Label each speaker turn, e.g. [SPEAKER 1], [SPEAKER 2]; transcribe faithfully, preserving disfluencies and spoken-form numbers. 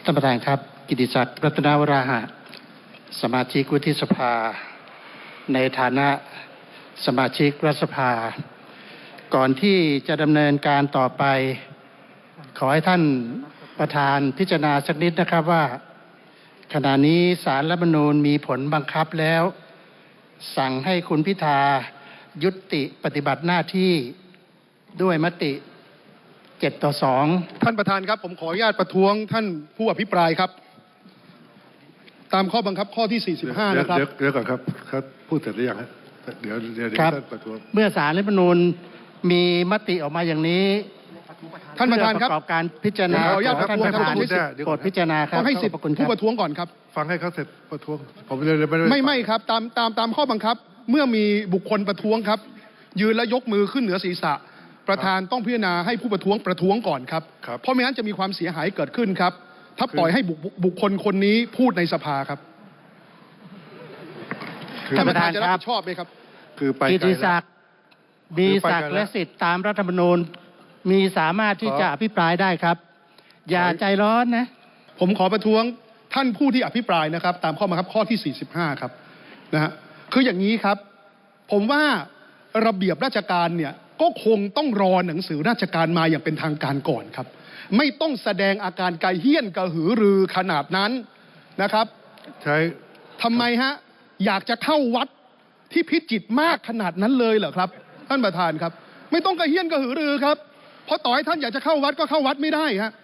[SPEAKER 1] ท่านประธานครับกิติศักดิ์รัตนวราหะสมาชิกวุฒิสภาในฐานะสมาชิกรัฐสภาก่อนที่จะดำเนินการต่อไปขอให้ท่านประธานพิจารณาสักนิดนะครับว่าขณะนี้ศาลรัฐธรรมนูญมีผลบังคับแล้วสั่งให้คุณพิธายุติปฏิบัติหน้าที่ด้วยมติเจ็ดต่อสอง
[SPEAKER 2] ท่านประธานครับผมขออนุญาตประท้วงท่านผู้อภิปรายครับตามข้อบังคับข้อที่สี่สิบห้านะครับ
[SPEAKER 3] เดี๋ยวเดี๋ยวก่อนครับครับพูดเสร็จหรือยังฮะเดี๋ยวเดี๋ยวท่านประท้วง
[SPEAKER 1] เมื่อศาลรัฐธรรมนูญมีมติออกมาอย่างนี้
[SPEAKER 2] ท่านประธานครับ
[SPEAKER 1] ประกอบการพิจารณา
[SPEAKER 2] ขออนุญาตประท้วงครับ
[SPEAKER 1] โปรดพิจารณาครับ
[SPEAKER 2] ต้องให้สิทธิ์ผู้ประท้วงก่อนครับ
[SPEAKER 3] ฟังให้เขาเสร็จประท้วงผมเลยไม่
[SPEAKER 2] ไม่ไม่ครับตามตามตามข้อบังคับเมื่อมีบุคคลประท้วงครับยืนและยกมือขึ้นเหนือศีรษะประธานต้องพิจารณาให้ผู้ประท้วงประท้วงก่อนครับเพราะไม่งั้นจะมีความเสียหายเกิดขึ้นครับถ้าปล่อยให้บุคคลคนนี้พูดในสภาครับท่านประธานจะรับผิดชอบไหมครับ
[SPEAKER 3] คือไป
[SPEAKER 1] กิติศักดิ์มีศักดิ์และสิทธิ์ตามรัฐธรรมนูญมีสามารถที่จะอภิปรายได้ครับอย่าใจร้อนนะ
[SPEAKER 2] ผมขอประท้วงท่านผู้ที่อภิปรายนะครับตามข้อบังคับข้อที่สี่สิบห้าครับนะฮะคืออย่างนี้ครับผมว่าระเบียบราชการเนี่ยก็คงต้องรอหนังสือราชการมาอย่างเป็นทางการก่อนครับไม่ต้องแสดงอาการกระเฮี้ยนกระหือรือขนาดนั้นนะครับ
[SPEAKER 3] ใช่
[SPEAKER 2] ทำไมฮะอยากจะเข้าวัดที่พิจิตรมากขนาดนั้นเลยเหรอครับท่านประธานครับไม่ต้องกระเฮี้ยนกระหือรือครับเพราะต่อให้ท่านอยากจะเข้าวัดก็เข้าวัดไม่ได้ฮะ